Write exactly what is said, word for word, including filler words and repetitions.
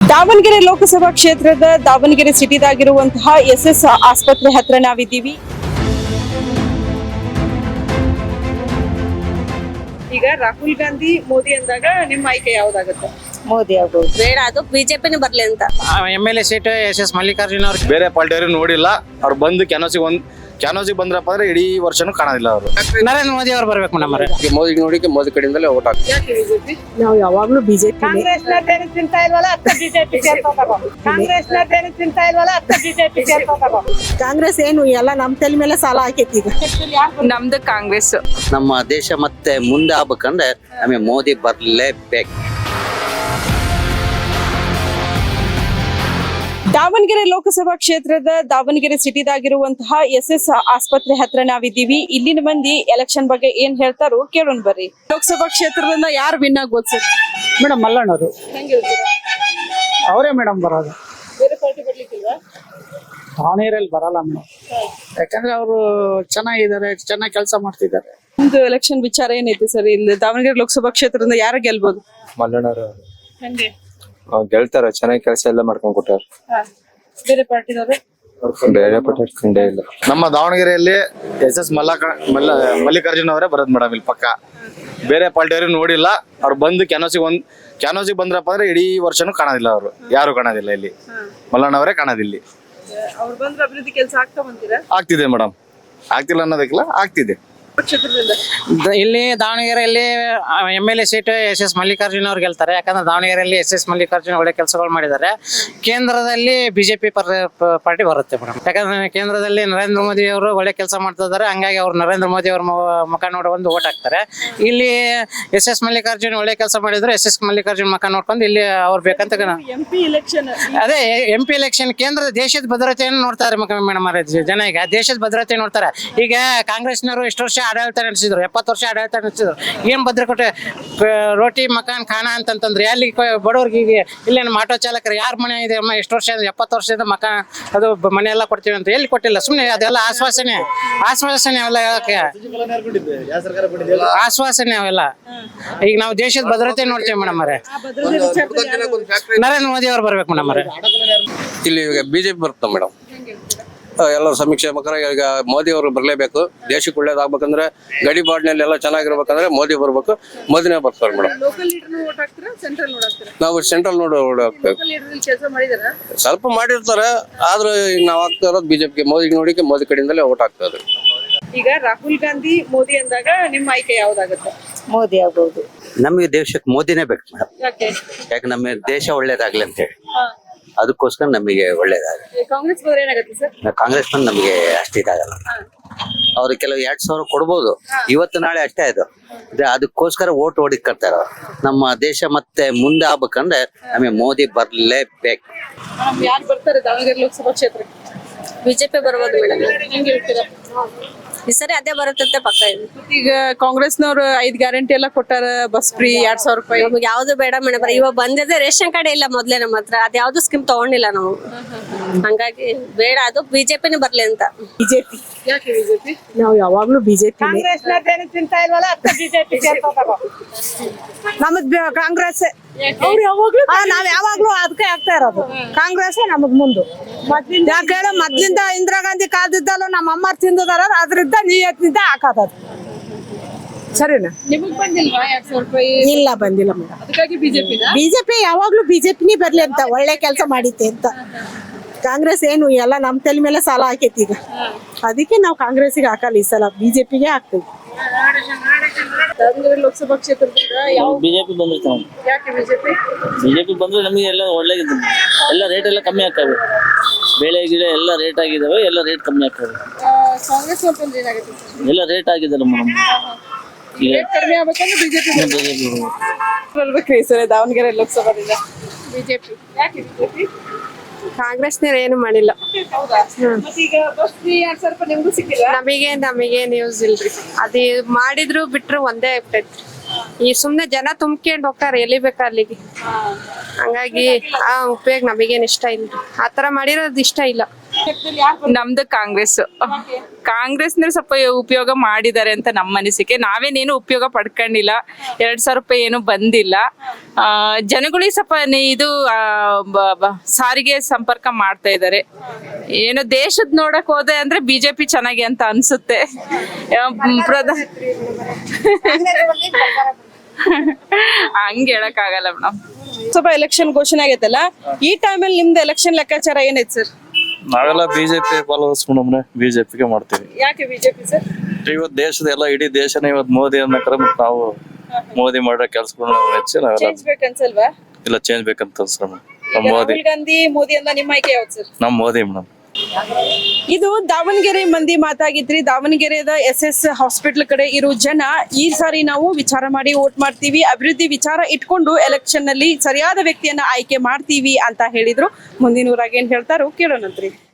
ದಾವಣಗೆರೆ ಲೋಕಸಭಾ ಕ್ಷೇತ್ರದ Davanagere ಸಿಟಿದಾಗಿರುವಂತಹ S S ಆಸ್ಪತ್ರೆ ಹತ್ರ ನಾವಿದ್ದೀವಿ. ಈಗ ರಾಹುಲ್ ಗಾಂಧಿ ಮೋದಿ ಅಂದಾಗ ನಿಮ್ಮ ಆಯ್ಕೆ ಯಾವ್ದಾಗುತ್ತೆ? ಮೋದಿ ಆಗ್ಬೋದು. ಬೇಡ, ಅದು ಬಿಜೆಪಿನೇ ಬರ್ಲಿ ಅಂತ. M L A seat S S Mallikarjun ಅವ್ರು ಬೇರೆ ಪಾರ್ಟಿಯವರು ನೋಡಿಲ್ಲ. ಅವ್ರು ಬಂದು ಕ್ಯಾನೋಸಿಗೆ ಒಂದ್ ಕ್ಯಾನೋಸಿಗೆ ಬಂದ್ರಪ್ಪ ಅಂದ್ರೆ ಇಡೀ ವರ್ಷನೂ ಕಾಣೋದಿಲ್ಲ. ಅವರು ನರೇಂದ್ರ ಮೋದಿ ಅವ್ರು ಬರ್ಬೇಕು ನಮ್ಮರೆ. ಮೋದಿ ನೋಡಿಕೆ ಮೋದಿ ಕಡೆಯಿಂದಲೇ ಓಟ್ ಹಾಕ್ತೀವಿ. ನಾವು ಯಾವಾಗ್ಲೂ ಬಿಜೆಪಿ ಕಾಂಗ್ರೆಸ್ ತಿಂತಾ ಇಲ್ವಲ್ಲ ಅತ್ತ ಬಿಜೆಪಿ ಕಾಂಗ್ರೆಸ್ ತಿಂತಾ ಇಲ್ವಲ್ಲ ಅತ್ತ ಬಿಜೆಪಿ ಕಾಂಗ್ರೆಸ್ ಏನು ಎಲ್ಲ ನಮ್ ತಲೆ ಮೇಲೆ ಸಾಲ ಹಾಕೈತಿ. ಈಗ ನಮ್ದು ಕಾಂಗ್ರೆಸ್. ನಮ್ಮ ದೇಶ ಮತ್ತೆ ಮುಂದೆ ಆಗ್ಬೇಕಂದ್ರೆ ನಮಗೆ ಮೋದಿ ಬರ್ಲೇಬೇಕು. ದಾವಣಗೆರೆ ಲೋಕಸಭಾ ಕ್ಷೇತ್ರದ ದಾವಣಗೆರೆ ಸಿಟಿದಾಗಿರುವಂತಹ ಎಸ್ ಎಸ್ ಆಸ್ಪತ್ರೆ ಹತ್ರ ನಾವಿದ್ದೀವಿ. ಇಲ್ಲಿನ ಮಂದಿ ಎಲೆಕ್ಷನ್ ಬಗ್ಗೆ ಏನ್ ಹೇಳ್ತಾರೋ ಕೇಳೋಣ ಬರ್ರಿ. ಲೋಕಸಭಾ ಕ್ಷೇತ್ರದಿಂದ ಯಾರು ವಿನ್ ಆಗ್ಬೋದು ಸರ್? ಮೇಡಮ್ ಮಲ್ಲಣ್ಣವರು ಅವರೇ ಮೇಡಮ್ ಬರೋದು. ಬೇರೆ ಪಾರ್ಟಿ ಬರ್ಲಿಕ್ಕಿಲ್ವಾ? ದಾವಣಗೆರೆಯಲ್ಲಿ ಬರಲ್ಲ ಮೇಡಮ್, ಯಾಕಂದ್ರೆ ಅವರು ಚೆನ್ನಾಗಿದ್ದಾರೆ, ಚೆನ್ನಾಗಿ ಕೆಲಸ ಮಾಡ್ತಿದ್ದಾರೆ. ನಿಮ್ದು ಎಲೆಕ್ಷನ್ ವಿಚಾರ ಏನೈತಿ ಸರ್? ಇಲ್ಲಿ ದಾವಣಗೆರೆ ಲೋಕಸಭಾ ಕ್ಷೇತ್ರದಿಂದ ಯಾರು ಗೆಲ್ಬಹುದು? ಮಲ್ಲಣ್ಣವರು ಹಂಗೆ ಗೆಲ್ತಾರ, ಚೆನ್ನಾಗಿ ಕೆಲಸ ಎಲ್ಲ ಮಾಡ್ಕೊಂಡ್ ಕೊಟ್ಟಾರ. ಬೇರೆ ಪಾರ್ಟಿದವರು ಬೇರೆ ಪಾರ್ಟಿ ಕಂಡೇ ಇಲ್ಲ. ನಮ್ಮ ದಾವಣಗೆರೆಯಲ್ಲಿ ಎಸ್ ಎಸ್ ಮಲ್ಲಕ ಮಲ್ಲ ಮಲ್ಲಿಕಾರ್ಜುನ್ ಅವರೇ ಬರೋದು ಮೇಡಮ್. ಇಲ್ಲಿ ಪಕ್ಕ ಬೇರೆ ಪಾರ್ಟಿಯವರು ನೋಡಿಲ್ಲ. ಅವ್ರು ಬಂದು ಕ್ಯಾನೋಸಿಗೆ ಒಂದ್ ಕ್ಯಾನೋಸಿಗೆ ಬಂದ್ರಪ್ಪ ಅಂದ್ರೆ ಇಡೀ ವರ್ಷನೂ ಕಾಣೋದಿಲ್ಲ. ಅವರು ಯಾರು ಕಾಣೋದಿಲ್ಲ. ಇಲ್ಲಿ ಮಲ್ಲಣ್ಣವರೇ ಕಾಣೋದಿಲ್ಲ. ಅವ್ರು ಬಂದ್ರೆ ಅಭಿವೃದ್ಧಿ ಕೆಲಸ ಆಗ್ತಾ ಬಂದಿರಾ? ಆಗ್ತಿದೆ ಮೇಡಮ್, ಆಗ್ತಿಲ್ಲ ಅನ್ನೋದಕ್ಕಿಲ್ಲ, ಆಗ್ತಿದೆ. ಇಲ್ಲಿ ದಾವಣಗೆರೆಯಲ್ಲಿ M L A seat S S Mallikarjun ಅವ್ರು ಗೆಲ್ತಾರೆ. ಯಾಕಂದ್ರೆ ದಾವಣಗೆರೆಯಲ್ಲಿ ಎಸ್ ಎಸ್ ಮಲ್ಲಿಕಾರ್ಜುನ್ ಒಳ್ಳೆ ಕೆಲಸಗಳು ಮಾಡಿದ್ದಾರೆ. ಕೇಂದ್ರದಲ್ಲಿ ಬಿಜೆಪಿ ಪಾರ್ಟಿ ಬರುತ್ತೆ ಮೇಡಮ್. ಯಾಕಂದ್ರೆ ಕೇಂದ್ರದಲ್ಲಿ ನರೇಂದ್ರ ಮೋದಿ ಅವರು ಒಳ್ಳೆ ಕೆಲಸ ಮಾಡ್ತಾ ಇದ್ದಾರೆ. ಹಂಗಾಗಿ ಅವ್ರು ನರೇಂದ್ರ ಮೋದಿ ಅವ್ರ ಮುಖ ನೋಡಿ ಒಂದು ಓಟ್ ಹಾಕ್ತಾರೆ. ಇಲ್ಲಿ ಎಸ್ ಎಸ್ ಮಲ್ಲಿಕಾರ್ಜುನ್ ಒಳ್ಳೆ ಕೆಲಸ ಮಾಡಿದ್ರೆ ಎಸ್ ಎಸ್ ಮಲ್ಲಿಕಾರ್ಜುನ್ ಮುಖ ನೋಡ್ಕೊಂಡು ಇಲ್ಲಿ ಅವ್ರು ಬೇಕಂತ ಎಂಪಿ ಎಲೆಕ್ಷನ್. ಅದೇ ಎಂ ಪಿ ಎಲೆಕ್ಷನ್ ಕೇಂದ್ರದ ದೇಶದ ಭದ್ರತೆಯನ್ನು ನೋಡ್ತಾರೆ ಮೇಡಮ್. ಜನ ಈಗ ದೇಶದ ಭದ್ರತೆ ನೋಡ್ತಾರೆ. ಈಗ ಕಾಂಗ್ರೆಸ್ನವರು ಎಷ್ಟು ವರ್ಷ ಆಡಳಿತ ನಡೆಸಿದ್ರು, ಎಪ್ಪತ್ತು ವರ್ಷ ಆಡಳಿತ ನಡೆಸಿದ್ರು. ಏನ್ ಭದ್ರಕೋಟೆ ರೋಟಿ ಮಕಾನ್ ಖಾನ ಅಂತಂತಂದ್ರೆ ಅಲ್ಲಿ ಬಡವ್ರಿಗೆ ಇಲ್ಲೇನು ಆಟೋ ಚಾಲಕರು ಯಾರ ಮನೆ ಇದೆ ಅಮ್ಮ ಎಷ್ಟು ವರ್ಷ ಎಪ್ಪತ್ತು ವರ್ಷದಿಂದ ಮಕಾನ್ ಅದು ಮನೆ ಎಲ್ಲ ಕೊಡ್ತೀವಿ ಅಂತ ಎಲ್ಲಿ ಕೊಟ್ಟಿಲ್ಲ. ಸುಮ್ಮನೆ ಅದೆಲ್ಲ ಆಶ್ವಾಸನೆ ಆಶ್ವಾಸನೆ ಅವೆಲ್ಲ ಹೇಳಕ್ಕೆ ಆಶ್ವಾಸನೆ ಅವೆಲ್ಲ. ಈಗ ನಾವು ದೇಶದ ಭದ್ರತೆ ನೋಡ್ತೀವಿ ಮೇಡಮ್ ಅವರೇ. ನರೇಂದ್ರ ಮೋದಿ ಅವ್ರು ಬರ್ಬೇಕು ಮೇಡಮ್ ಅವರೇ. ಇಲ್ಲಿ ಈಗ ಬಿಜೆಪಿ ಬರುತ್ತೆ ಮೇಡಮ್. ಎಲ್ಲರೂ ಸಮೀಕ್ಷೆ ಪ್ರಕಾರ ಈಗ ಮೋದಿ ಅವರು ಬರಲೇಬೇಕು. ದೇಶಕ್ಕೆ ಒಳ್ಳೇದಾಗ್ಬೇಕಂದ್ರೆ ಗಡಿ ಬಾಡ್ನಲ್ಲಿ ಎಲ್ಲ ಚೆನ್ನಾಗಿರ್ಬೇಕಂದ್ರೆ ಮೋದಿ ಬರ್ಬೇಕು. ಮೋದಿನೇ ಬರ್ತಾರೆ ಮೇಡಮ್. ನಾವು ಸೆಂಟ್ರಲ್ ನೋಡಿ ಓಟ್ ಹಾಕ್ಬೇಕು. ಸ್ವಲ್ಪ ಮಾಡಿರ್ತಾರೆ, ಆದ್ರೆ ನಾವು ಆಗ್ತಾ ಇರೋದು ಬಿಜೆಪಿಗೆ. ಮೋದಿ ನೋಡಿಕೆ ಮೋದಿ ಕಡೆಯಿಂದಲೇ ಓಟ್ ಹಾಕ್ತಾ ಇದ್ರು. ಈಗ ರಾಹುಲ್ ಗಾಂಧಿ ಮೋದಿ ಅಂದಾಗ ನಿಮ್ಮ ಆಯ್ಕೆ ಯಾವ್ದಾಗುತ್ತೆ? ಮೋದಿ ಆಗ್ಬೋದು. ನಮಗೆ ದೇಶಕ್ಕೆ ಮೋದಿನೇ ಬೇಕು ಮೇಡಮ್. ಯಾಕೆ? ಯಾಕೆ ನಮ್ಮ ದೇಶ ಒಳ್ಳೇದಾಗ್ಲಿ ಅಂತ ಹೇಳಿ, ಅದಕ್ಕೋಸ್ಕರ ನಮಗೆ ಒಳ್ಳೇದಾಗಲಿ. ಕಾಂಗ್ರೆಸ್ ಬಂದ್ರೆ ಏನಾಗುತ್ತೆ ಸರ್? ಕಾಂಗ್ರೆಸ್ ಬಂದು ನಮಗೆ ಅಷ್ಟಿದಾಗಲ್ಲ. ಅವ್ರು ಕೆಲವು ಎರಡ್ ಸಾವಿರ ಕೊಡ್ಬೋದು, ಇವತ್ತು ನಾಳೆ ಅಷ್ಟೇ ಅದು. ಅದಕ್ಕೋಸ್ಕರ ಓಟ್ ಓಡಿಕರ್ತಾರ. ನಮ್ಮ ದೇಶ ಮತ್ತೆ ಮುಂದೆ ಆಗ್ಬೇಕಂದ್ರೆ ನಮಗೆ ಮೋದಿ ಬರ್ಲೇಬೇಕು. ಯಾರು ಬರ್ತಾರೆ ದಾವಣಗೆರೆ ಲೋಕಸಭಾ ಕ್ಷೇತ್ರಕ್ಕೆ? ಬಿಜೆಪಿ ಬರ್ಬೋದು ಮೇಡಮ್. ಹೆಂಗ್ ಹೇಳ್ತೀರಾ? ಈ ಸರಿ ಅದೇ ಬರುತ್ತೆ ಪಕ್ಕ ಇದೆ. ಈಗ ಕಾಂಗ್ರೆಸ್ನವ್ರು ಐದ್ ಗ್ಯಾರಂಟಿ ಎಲ್ಲ ಕೊಟ್ಟಾರ, ಬಸ್ ಫ್ರೀ, ಎರಡ್ ಸಾವಿರ ರೂಪಾಯಿ. ನಮ್ಗೆ ಯಾವ್ದು ಬೇಡ ಮೇಡಮ್. ಇವಾಗ ಬಂದಿದೆ ರೇಷನ್ ಕಾರ್ಡ್ ಇಲ್ಲ ಮೊದ್ಲೇ ನಮ್ಮ ಹತ್ರ. ಅದ್ ಯಾವ್ದು ಸ್ಕೀಮ್ ತಗೊಂಡಿಲ್ಲ ನಾವು. ಹಂಗಾಗಿ ಬೇಡ, ಅದು ಬಿಜೆಪಿನೇ ಬರ್ಲಿ ಅಂತ. ಬಿಜೆಪಿ. ಯಾಕೆ ಬಿಜೆಪಿ? ನಾವು ಯಾವಾಗ್ಲೂ ಬಿಜೆಪಿ. ಕಾಂಗ್ರೆಸ್ ತಿಂತಾ ಇಲ್ವಲ್ಲ ಅತ್ತ ಬಿಜೆಪಿ ನಮದ್ ಕಾಂಗ್ರೆಸ್. ನಾವ್ ಯಾವಾಗ್ಲೂ ಅದಕ್ಕೆ ಆಗ್ತಾ ಇರೋದು ಕಾಂಗ್ರೆಸ್ ನಮಗ್ ಮುಂದು. ಯಾಕೆ ಹೇಳ, ಮೊದ್ಲಿಂದ ಇಂದಿರಾ ಗಾಂಧಿ ಕಾಲದಿದ್ದಲ್ಲ ನಮ್ಮ ಅಮ್ಮ ತಿಂದಿದಾರ, ಅದ್ರಿಂದ ನೀಯತ್ತಿಂದ ಹಾಕೋದು. ಸರಿನಾ? ನಿಮಗ್ ಬಂದಿಲ್ವಾ ಎರಡ್ ಸಾವಿರ ರೂಪಾಯಿ? ಇಲ್ಲ, ಬಂದಿಲ್ಲ ಮೇಡಮ್. ಅದಕ್ಕಾಗಿ ಬಿಜೆಪಿ. ಬಿಜೆಪಿ ಯಾವಾಗ್ಲೂ ಬಿಜೆಪಿನೇ ಬರ್ಲಿ ಅಂತ, ಒಳ್ಳೆ ಕೆಲಸ ಮಾಡಿತ್ತೆ ಅಂತ. ಕಾಂಗ್ರೆಸ್ ಏನು ಎಲ್ಲ ನಮ್ ತಲೆ ಮೇಲೆ ಸಾಲ ಹಾಕೈತಿ. ಈಗ ಅದಕ್ಕೆ ನಾವು ಕಾಂಗ್ರೆಸ್ಗೆ ಹಾಕಲ್ಲ, ಈ ಸಲ ಬಿಜೆಪಿಗೆ ಹಾಕ್ತೀವಿ. ದಾವಣಗೆರೆ ಲೋಕಸಭಾ ಕ್ಷೇತ್ರದಿಂದ ಯಾವ ಬಿಜೆಪಿ ಬಂದಿರ್ತಾವ. ಯಾಕೆ ಬಿಜೆಪಿ? ಬಿಜೆಪಿ ಬಂದ್ರೆ ನಮಗೆ ಎಲ್ಲ ಒಳ್ಳೆ ಎಲ್ಲ ರೇಟ್ ಎಲ್ಲ ಕಮ್ಮಿ ಆಗ್ತವೆ. ಬೆಳೆ ಗಿಡ ಎಲ್ಲ ರೇಟ್ ಆಗಿದಾವೆ, ಎಲ್ಲ ರೇಟ್ ಕಮ್ಮಿ ಆಗ್ತವೆ. ಕಾಂಗ್ರೆಸ್ ಬಂದ್ರೆ ಏನಾಗುತ್ತೆ? ಎಲ್ಲ ರೇಟ್ ಆಗಿದ್ದಾರೆ ಮೇಡಮ್. ಕಡಿಮೆ ಆಗ್ಬೇಕಂದ್ರೆ ಬಿಜೆಪಿ ಬಿಜೆಪಿ ಬರ್ಬೇಕ್ರಿ ಸರ್ ದಾವಣಗೆರೆ ಲೋಕಸಭಾದಿಂದ. ಬಿಜೆಪಿ. ಯಾಕೆ ಬಿಜೆಪಿ? ಕಾಂಗ್ರೆಸ್ನವ್ರು ಏನು ಮಾಡಿಲ್ಲ. ಈಗ ಬಸ್ ಫ್ರೀ ಎರಡ್ ಸಾವಿರ ರೂಪಾಯಿ ನಿಮ್ಗೂ ಸಿಕ್ಕಿಲ್ಲ? ನಮಗೆ ನಮಗೆ ನ್ಯೂಸ್ ಇಲ್ರಿ. ಅದೇ ಮಾಡಿದ್ರು ಬಿಟ್ರು ಒಂದೇ ಆಗ್ತೈತ್ರಿ. ಈ ಸುಮ್ನೆ ಜನ ತುಂಬ್ಕೊಂಡ್ ಹೋಗ್ತಾರೆ ಎಲ್ಲಿ ಬೇಕಾ ಅಲ್ಲಿಗೆ. ಹಂಗಾಗಿ ಆ ಉಪಯೋಗ ನಮಗೇನ್ ಇಷ್ಟ ಇಲ್ಲ. ಆತರ ಮಾಡಿರೋದು ಇಷ್ಟ ಇಲ್ಲ. ನಮ್ದು ಕಾಂಗ್ರೆಸ್ ಕಾಂಗ್ರೆಸ್ ಸ್ವಲ್ಪ ಉಪಯೋಗ ಮಾಡಿದ್ದಾರೆ ಅಂತ ನಮ್ಮ ಅನಿಸಿಕೆ. ನಾವೇನೇನು ಉಪಯೋಗ ಪಡ್ಕೊಂಡಿಲ್ಲ, ಎರಡ್ ಸಾವಿರ ರೂಪಾಯಿ ಏನು ಬಂದಿಲ್ಲ. ಆ, ಜನಗಳಿಗೆ ಸ್ವಲ್ಪ ನಿ- ಇದು ಆ, ಬ- ಬ- ಸಾರಿಗೆ ಸಂಪರ್ಕ ಮಾಡ್ತಾ ಇದ್ದಾರೆ. ಏನು ದೇಶದ್ ನೋಡಕ್ ಹೋದೆ ಅಂದ್ರೆ ಬಿಜೆಪಿ ಚೆನ್ನಾಗಿ ಅಂತ ಅನ್ಸುತ್ತೆ. ಆ, ಮ್, ಪ್ರಧ ಹಂಗ ಹೇಳಕ್ ಆಗಲ್ಲ ಮೇಡಮ್. ಸ್ವಲ್ಪ ಎಲೆಕ್ಷನ್ ಘೋಷಣೆ ಆಗೈತಲ್ಲ, ಈ ಟೈಮಲ್ಲಿ ನಿಮ್ದು ಎಲೆಕ್ಷನ್ ಲೆಕ್ಕಾಚಾರ ಏನೈತೆ ಸರ್? ನಾವೆಲ್ಲ ಬಿಜೆಪಿ ಫಾಲೋವರ್ಸ್ ಮೇಡಮ್ರೆ, ಬಿಜೆಪಿಗೆ ಮಾಡ್ತೀವಿ. ಯಾಕೆ ಬಿಜೆಪಿ ಸರ್? ಇವತ್ತು ದೇಶದ ಎಲ್ಲ ಇಡೀ ದೇಶನೇ ಇವತ್ತು ಮೋದಿ ಅನ್ನಕ್ರೆ ಮತ್ತೆ ನಾವು ಮೋದಿ ಮಾಡೋ ಕೆಲಸಗಳನ್ನ ನಾವು ಹೆಚ್ಚು ನಾವೆಲ್ಲ ಚೇಂಜ್ ಬೇಕನ್ಸಲ್ವಾ? ಇಲ್ಲ ಚೇಂಜ್ ಬೇಕಂತ ಅನ್ಸ್ರ ನಮ್ಮ ಮೋದಿ ರಾಹುಲ್ ಗಾಂಧಿ ಮೋದಿ ಅಂತ ನಿಮ್ಮ ಆಯ್ಕೆ ಯಾವ್ದು ಸರ್? ನಮ್ಮ ಮೋದಿ ಮೇಡಮ್. ಇದು ದಾವಣಗೆರೆ ಮಂದಿ ಮಾತಾಗಿದ್ರಿ. ದಾವಣಗೆರೆದ ಎಸ್ ಎಸ್ ಹಾಸ್ಪಿಟಲ್ ಕಡೆ ಇರೋ ಜನ ಈ ಸಾರಿ ನಾವು ವಿಚಾರ ಮಾಡಿ ವೋಟ್ ಮಾಡ್ತೀವಿ, ಅಭಿವೃದ್ಧಿ ವಿಚಾರ ಇಟ್ಕೊಂಡು ಎಲೆಕ್ಷನ್ ನಲ್ಲಿ ಸರಿಯಾದ ವ್ಯಕ್ತಿಯನ್ನ ಆಯ್ಕೆ ಮಾಡ್ತೀವಿ ಅಂತ ಹೇಳಿದ್ರು. ಮುಂದಿನ ಊರಾಗ ಏನ್ ಹೇಳ್ತಾರೋ ಕೇಳೋಣಂತ್ರಿ.